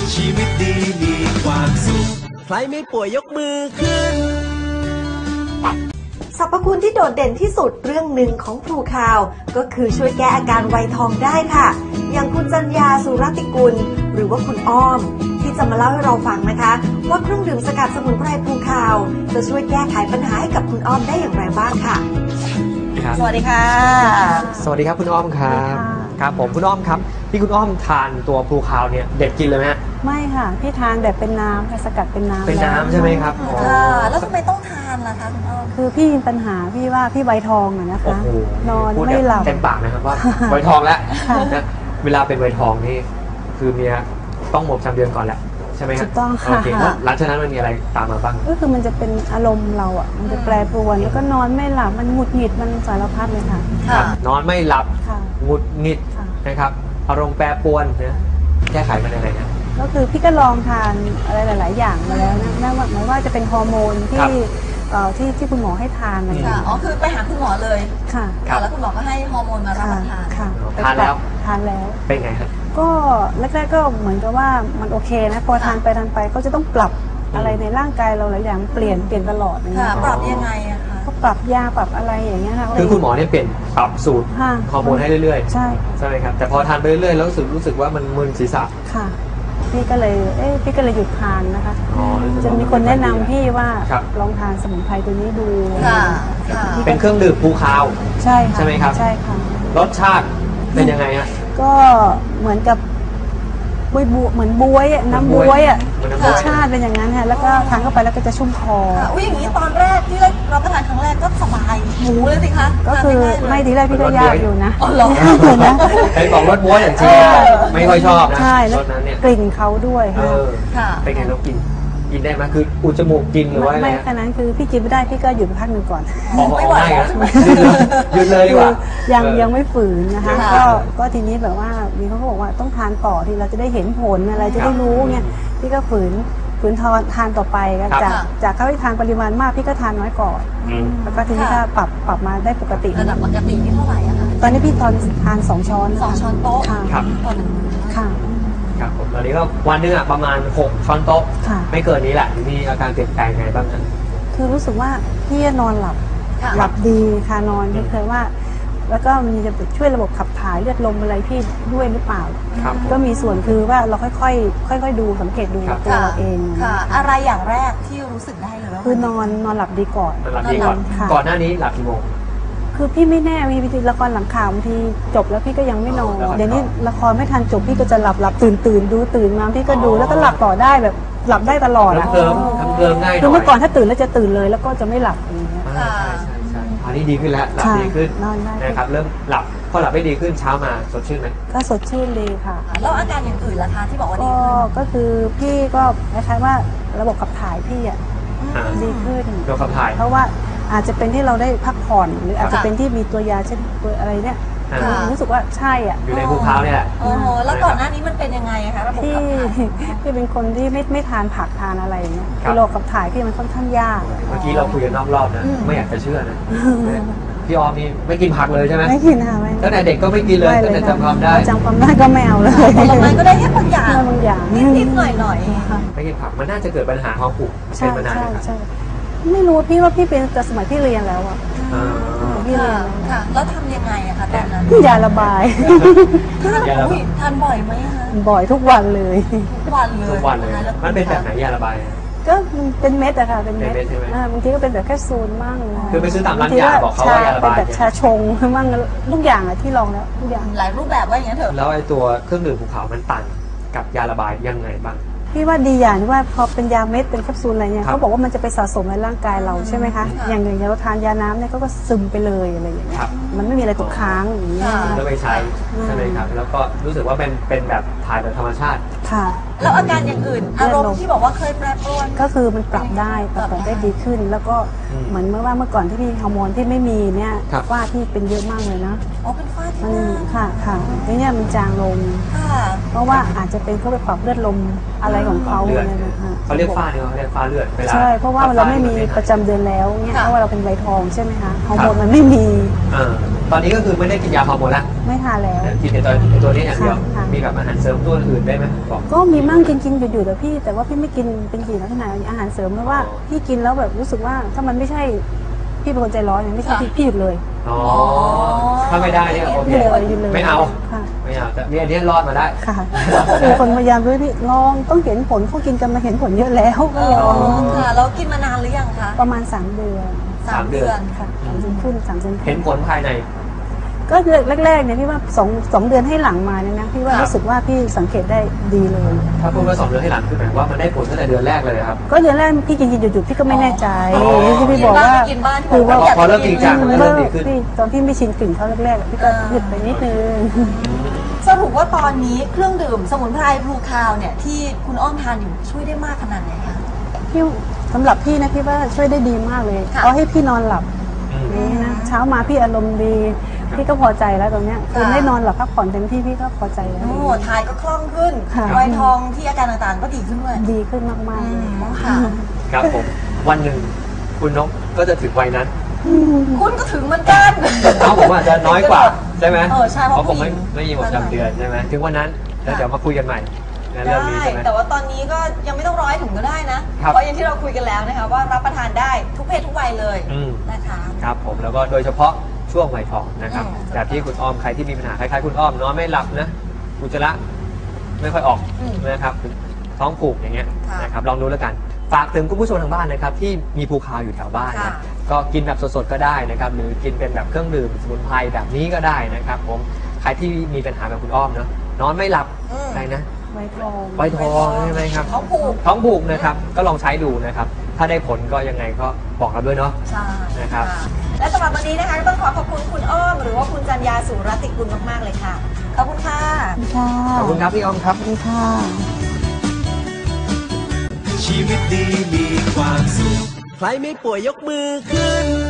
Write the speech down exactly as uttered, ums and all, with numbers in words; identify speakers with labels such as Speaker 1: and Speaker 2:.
Speaker 1: ชีวิตดีมีความสุขใครไม่ป่วยยกมือขึ้น
Speaker 2: สรรพคุณที่โดดเด่นที่สุดเรื่องหนึ่งของพลูคาวก็คือช่วยแก้อาการไวทองได้ค่ะอย่างคุณจัญญาสุรติกุลหรือว่าคุณอ้อมที่จะมาเล่าให้เราฟังนะคะว่าเครื่องดื่มสกัดสมุนไพรพลูคาวจะช่วยแก้ไขปัญหาให้กับคุณอ้อมได้อย่างไรบ้างค่ะ
Speaker 3: สวัสดีค่ะ
Speaker 4: สวัสดีครับคุณอ้อมครับครับผมคุณอ้อมครับที่คุณอ้อมทานตัวพลูคาวเนี่ยเด็ดกินเลยไหมฮะ
Speaker 3: ไม่ค่ะพี่ทานแบบเป็นน้ำค่ะสกัดเป็นน้ำ
Speaker 4: เป็นน้ำใช่ไหมครับ
Speaker 2: ค่ะแล้วทำไมต้องทานล่ะคะคุณอ้อม
Speaker 3: คือพี่มีปัญหาพี่ว่าพี่ไวทองอะนะคะนอนไม่หลับ
Speaker 4: เต็มปากนะครับว่าไวทองแล้วนะเวลาเป็นไวทองนี่คือเมียต้องหมดจำเดือนก่อนแหละใช่ไหมครับ
Speaker 3: ถูกต้องค่ะ
Speaker 4: หลังจากนั้นมันมีอะไรตามมาบ้าง
Speaker 3: ก็คือมันจะเป็นอารมณ์เราอ่ะมันจะแปรปรวนแล้วก็นอนไม่หลับมันหงุดหงิดมันสารพัดเลยค่ะ
Speaker 4: นอนไม่หลับหงุดหงิดนะครับอารมณ์แปรปรวนนะแก้ไขมันยังไงนะ
Speaker 3: ก็คือพี่ก็ลองทานอะไรหลายๆอย่างมาแล้วนะไม่ว่าไม่ว่าจะเป็นฮอร์โมนที่ที่ที่คุณหมอให้ทานอะไร
Speaker 2: ค่ะอ๋อคือไปหาคุณหมอเลย
Speaker 3: ค่ะ
Speaker 2: แล้วคุณหมอก็ให้ฮอร์โมนมารับประทาน
Speaker 3: ค่ะ
Speaker 4: ทานแล้ว
Speaker 3: ทานแล้ว
Speaker 4: เป็นไงครับ
Speaker 3: ก็แรกๆก็เหมือนกับว่ามันโอเคนะพอทานไปทานไปก็จะต้องปรับอะไรในร่างกายเราหลายอย่างเปลี่ยนเปลี่ยนตลอด
Speaker 2: ค่ะปรับยังไงอะคะ
Speaker 3: ก็ปรับยาปรับอะไรอย่างเงี้ยค่ะ
Speaker 4: คือคุณหมอเนี่ยเปลี่ยนปรับสูตรฮอร์โมนให้เรื่อยๆ
Speaker 3: ใช่
Speaker 4: ใช่ไหมครับแต่พอทานไปเรื่อยๆแล้วรู้สึกรู้สึกว่ามันมึนศีรษะ
Speaker 3: ค่ะพี่ก็เลยเอ้พี่ก็เลยหยุดทานนะคะจะมีคนแนะนำพี่ว่าลองทานสมุนไพรตัวนี้ดู
Speaker 4: เป็นเครื่องดื่มพลูคาว
Speaker 3: ใช่
Speaker 4: ใช่ไหมครับ
Speaker 3: ใช่ค่ะ
Speaker 4: รสชาติเป็นยังไงฮะ
Speaker 3: ก็เหมือนกับบวยบัวเหมือนบวยน้ำบวยอ่ะรสชาติเป็นอย่างนั้นค่ะแล้วก็ทานเข้าไปแล้วก็จะชุ่มคอ
Speaker 2: อุ้ยอย่างนี้ตอนแรกที่เราประทานครั้งแรกก็สบายหมูเลยสิคะ
Speaker 3: ก็คือไม่ทีแรกพี่ก็ยากอยู่นะ
Speaker 2: อ๋อเหรอ
Speaker 3: นะ
Speaker 4: ไอ้ของรสบวยอย่างจริงไม่ค่อยชอบนะ
Speaker 3: ใช่รสนั้นเนี่ยกลิ่นเขาด้วย
Speaker 4: ค่ะเป็นไงเรากินกินได้ไหมคืออุจจมูกกินหรือว่าอะไร
Speaker 3: ไม่ขนาดนั้นคือพี่กินไม่ได้พี่ก็หยุดพักหนึ่งก่อน
Speaker 4: ไม่ไหวหยุดเลยดีกว่า
Speaker 3: ยังยังไม่ฝืนนะคะก็ก็ทีนี้แบบว่ามีเขาบอกว่าต้องทานต่อที่เราจะได้เห็นผลอะไรจะได้รู้เนี่ยพี่ก็ฝืนฝืนทานทานต่อไปจากจากเขาที่ทานปริมาณมากพี่ก็ทานน้อยก่อนแล้วก็ทีนี้ก็ปรับปรับมาได้ปกติ
Speaker 2: ระดับปกติที่เท่าไหร่อะคะ
Speaker 3: ตอนนี้พี่ตอนทานสองช้อน
Speaker 2: สองช้อนโต๊ะ
Speaker 4: ครับ
Speaker 3: ค่ะ
Speaker 4: ครับผมตอนนี้ก็วันนึงอ่ะประมาณหกช้อนโต๊ะไม่เกินนี้แหละมีอาการเปลี่ยนแปลงไงบ้างนะ
Speaker 3: คือรู้สึกว่าพี่นอนหลับหลับดีค่ะนอนเคยว่าแล้วก็มีจะช่วยระบบขับถ่ายเลือดลมอะไรพี่ด้วยหรือเปล่าก็มีส่วนคือว่าเราค่อยๆค่อยๆดูสังเกตดูตัวเราเอง
Speaker 2: ค่ะอะไรอย่างแรกที่รู้สึกได้เลยว่า
Speaker 3: คือนอนนอนหลับดีก่อน
Speaker 4: นอนหลับดีก่อนก่อนหน้านี้หลับกี่โมง
Speaker 3: คือพี่ไม่แน่มีละครหลังข่าวบางทีจบแล้วพี่ก็ยังไม่นอนเดี๋ยวนี้ละครไม่ทันจบพี่ก็จะหลับหลับตื่นตื่นดูตื่นมาพี่ก็ดูแล้วก็หลับต่อได้แบบหลับได้ตลอด
Speaker 4: อะเพิ่มเพิ่มง่าย
Speaker 3: คือเมื่อก่อนถ้าตื่นแล้วจะตื่นเลยแล้วก็จะไม่หลับอย่างเงี้ย
Speaker 4: ใช่ใช่ใช่อันนี้ดีขึ้นแล้วหลับดีขึ้นนะครับเริ่มหลับพอหลับไม่ดีขึ้นเช้ามาสดชื่นไหม
Speaker 3: ก็สดชื่นดีค่ะ
Speaker 2: แล้วอาการอย่างอื่นล่ะคะที่บอกว่าดี
Speaker 3: ก็คือพี่ก็คล้ายๆว่าระบบขับถ่ายพี่อ่ะดีขึ้น
Speaker 4: ระบบขับถ่าย
Speaker 3: เพราะว่าอาจจะเป็นที่เราได้พักผ่อนหรืออาจจะเป็นที่มีตัวยาเช่นตัวอะไรเนี่ยรู้สึกว่าใช่อ่ะ
Speaker 4: อยู่ในภูเขาเนี่ยแหละ
Speaker 2: โอ้โหแล้วก่อนหน้านี้มันเป็นยังไงคะระบบขับถ่าย
Speaker 3: พี่เป็นคนที่ไม่ไม่ทานผักทานอะไรเงี้ยระบบขับถ่ายพี่มันค่อนข้างยาก
Speaker 4: เมื่อกี้เราคุยกันนอกรอบนะไม่อยากจะเชื่อนะพี่ออมนี่ไม่กินผักเลยใช่ไหม
Speaker 3: ไม่กินค่ะไม่
Speaker 4: ตั้งแต่เด็กก็ไม่กินเลยตั้งแต่จำความได้
Speaker 3: จำความได้ก็ไม่เอาเลย
Speaker 2: ผลไม้ก็ได้แค่บางอย่าง
Speaker 3: บางอย่าง
Speaker 2: นิดๆหน่อย
Speaker 4: ๆไม่กินผักมันน่าจะเกิดปัญหาท้องผูกเป็นมานาน
Speaker 3: ครับไม่รู้พี่ว่าพี่เป็นแต่สมัยที่เรียนแล้วอ่ะ
Speaker 2: พี่เรียนค่ะแล้วทำยังไงอะคะตอนนั้น
Speaker 3: ยาระบาย
Speaker 2: ทานบ่อยไหมคะ
Speaker 3: บ่อยทุกวันเลย
Speaker 2: ทุกวันเลย
Speaker 4: ทุกวันเลยมันเป็นแบบไหนยาระบาย
Speaker 3: ก็เป็นเม็ดอะค่ะเป็นเม็ดบางทีก็เป็นแบบแค่ซูนมั่ง
Speaker 4: คือไปซื้อตามร้านยาบอกเขาว่ายาระบาย
Speaker 3: แบบชาชงมั่งทุกอย่างอะที่ลองแล้วทุกอย่าง
Speaker 2: หลายรูปแบบว่าอย่างนี้เถอะ
Speaker 4: แล้วไอ้ตัวเครื่องดื่มภูเขามันต่างกับยาระบายยังไงบ้าง
Speaker 3: พี่ว่าดีอย่างที่ว่าพอเป็นยาเม็ดเป็นแคปซูลอะไรเนี่ยเขาบอกว่ามันจะไปสะสมในร่างกายเราใช่ไหมคะอย่างอย่างเราทานยาน้ำเนี่ยก็ซึมไปเลยอะไรอย่างเงี้ยมันไม่มีอะไรตกค้างอย่างเงี้ย
Speaker 4: ก็ไปใช้ใช่ไหมครับแล้วก็รู้สึกว่าเป็นเป็นแบบถ่ายแบบธรรมชาติ
Speaker 3: ค่ะ
Speaker 2: แล้วอาการอย่างอื่นอารมณ์ที่บอกว่าเคยแปรปรวน
Speaker 3: ก็คือมันปรับได้ปรับได้ดีขึ้นแล้วก็เหมือนเมื่อว่าเมื่อก่อนที่พี่ฮอร์โมนที่ไม่มีเนี่ยฝ้าที่เป็นเยอะมากเลยนะ
Speaker 2: อ๋อเป็นฝ้า
Speaker 3: มันค่ะค่ะทีเนี้ยมันจางลง
Speaker 2: ค่ะ
Speaker 3: เพราะว่าอาจจะเป็นเขาไปปรับเลือดลมอะไรของเขา
Speaker 4: เลือด
Speaker 3: เนี่ยนะคะ
Speaker 4: เขาเรียกฝ้าเนี่ยเขาเรียกฝ้าเลือดเวลา
Speaker 3: ใช่เพราะว่าเราไม่มีประจำเดือนแล้วเนี่ยเพราะว่าเราเป็นใบทองใช่ไหมคะฮอร์โมนมันไม่มี
Speaker 4: อ่าตอนนี้ก็คือไม่ได้กินยาฮอร์โมนละ
Speaker 3: ไม่ทานแล้ว
Speaker 4: กินในตัวในตัวนี้อย่างเดียว
Speaker 3: ค่ะ
Speaker 4: มีกับอาหารเสริมตัวอื่นได้ไหมบอก
Speaker 3: ก็มีมั่งกินกินอยู่ๆแต่พี่ แต่ว่าพี่ไม่กินเป็นกี่ลักษณะอาหารเสริมเพราะว่าพี่กินแล้วแบบรู้สึกว่าถ้ามันไม่ใช่พี่เป็นคนใจร้อนเนี่ยไม่ใช่พี่พี่หยุดเลย
Speaker 4: อ๋อถ้าไม่ได้เนี่ยโอเค
Speaker 3: หยุดเลยหยุดเลย
Speaker 4: ไม่เอา
Speaker 3: ค่ะ
Speaker 4: ไม่เอาแต่เนี่ยอันนี้รอดมาได้
Speaker 3: ค่ะมีคนพยายามด้วยพี่ลองต้องเห็นผลเขากินกันมาเห็นผลเยอะแล้วก็ลอง
Speaker 2: ค่ะแล้วกินมานานหรือยังคะ
Speaker 3: ประมาณสามเดือน
Speaker 4: สามเดือน
Speaker 3: ค่ะสามเดือนขึ้นสามเดือนขึ้น
Speaker 4: เห็นผลภายใน
Speaker 3: ก็แรกๆเนี่ยพี่ว่าสองสองเดือนให้หลังมาเนี่ยนะพี่ว่า
Speaker 4: ครับ
Speaker 3: รู้สึกว่าพี่สังเกตได้ดีเลย
Speaker 4: ถ้าพูดว่าสองเดือนให้หลังคือหมายว่ามันได้ผลตั้งแต่เดือนแรกเลยครับ
Speaker 3: ก็เดือนแรกพี่กินกินหยุดๆพี่ก็ไม่แน่ใจ
Speaker 4: อ๋อ
Speaker 3: ที่พี่บอกว่า
Speaker 2: กินบ้าน
Speaker 3: คือว่า
Speaker 2: กินบ้าน
Speaker 4: พอเริ่มจริงจังมัน
Speaker 3: เริ่
Speaker 4: เริ่ม
Speaker 3: ม
Speaker 4: ดีขึ้น
Speaker 3: พี่ตอนพี่ไม่ชินกลิ่นเขาแรกๆพี่ก็หยุดไปนิดนึง
Speaker 2: สรุปว่าตอนนี้เครื่องดื่มสมุนไพรบลูคาวเนี่ยที่คุณอ้อมทานอยู่ช่วยได้มากขนาดไหนคะ
Speaker 3: พี่สำหรับพี่นะพี่ว่าช่วยได้ดีมากเลย
Speaker 2: ค่ะ
Speaker 3: เอาให้พี่นอนหลับ
Speaker 4: อืม
Speaker 3: นี่นะเช้ามาพี่อารมณ์ดีพี่ก็พอใจแล้วตรงเนี้ยคือ
Speaker 2: ค่ะ
Speaker 3: ได้นอนหลับพักผ่อนเต็มที่พี่ก็พอใจแล้ว
Speaker 2: โอ้ทายก็คล่องขึ้น
Speaker 3: ค่ะ
Speaker 2: ไวทองที่อาการต่างๆก็ดีขึ้นด้วย
Speaker 3: ดีขึ้นมากๆเลย
Speaker 2: ค่ะ
Speaker 4: ครับผมวันหนึ่งคุณนกก็จะถึงวัยนั้น
Speaker 2: คุณก็ถึงเหมือนกัน
Speaker 4: เขาผมอาจจะน้อยกว่าใช่ไหม
Speaker 2: เออใช่เพราะ
Speaker 4: ผมไม่
Speaker 2: ผู้หญิง
Speaker 4: ไม่มีหมดประจำเดือนใช่ไหมถึงวันนั้นแล้วเดี๋ยวมาคุยกันใหม่ในเรื่องนี้
Speaker 2: ได้
Speaker 4: ใช่ไหม
Speaker 2: แต่ว่าตอนนี้ก็ยังไม่ต้องร้อยถุงก็ได้นะ
Speaker 4: ครับ
Speaker 2: เพราะอย่างที่เราคุยกันแล้วนะคะว่ารับประทานได้ทุกเพศทุกวัยเลย
Speaker 4: อืม
Speaker 2: นะคะ
Speaker 4: ครับผมแล้วก็โดยเฉพาะช่วงวัยทองนะครับ
Speaker 2: อืม
Speaker 4: แบบที่คุณอ้อมใครที่มีปัญหาคล้ายๆคุณอ้อมนอนไม่หลับนะอุจจาระไม่ค่อยออก
Speaker 2: อืม
Speaker 4: นะครับท้องผูกอย่างเงี้ย
Speaker 2: ค่ะ
Speaker 4: นะครับลองดูแล้วกันฝากถึงคุณผู้ชมทางบ้านนะครับที่มีภูคาวอยู่แถวบ้าน
Speaker 2: ค่ะ
Speaker 4: นะก็กินแบบสดๆก็ได้นะครับหรือกินเป็นแบบเครื่องดื่มสมุนไพรแบบนี้ก็ได้นะครับผมใครที่มีปัญหาแบบคุณอ้อมเนาะนอนไม่หลับ
Speaker 2: อืม
Speaker 4: อะไรนะ
Speaker 3: ไวทอง
Speaker 4: ไวทองใช่ไหมครับ
Speaker 2: ท้องผูก
Speaker 4: ท้องผูกนะครับก็ลองใช้ดูนะครับถ้าได้ผลก็ยังไงก็บอกเราด้วยเนาะ
Speaker 2: ใช่
Speaker 4: นะครับ
Speaker 2: และสำหรับวันนี้นะคะก็ต้องขอขอบคุณคุณอ้อม หรือว่าคุณจันยาสุรติกุลมากๆเลยค่ะ ขอบคุณค่ะ
Speaker 3: ค่ะ
Speaker 4: ขอบคุณครับพี่อ้อมครับ
Speaker 3: สวัสดีค่ะ
Speaker 1: ชีวิตดีมีความสุข ใครไม่ป่วยยกมือขึ้น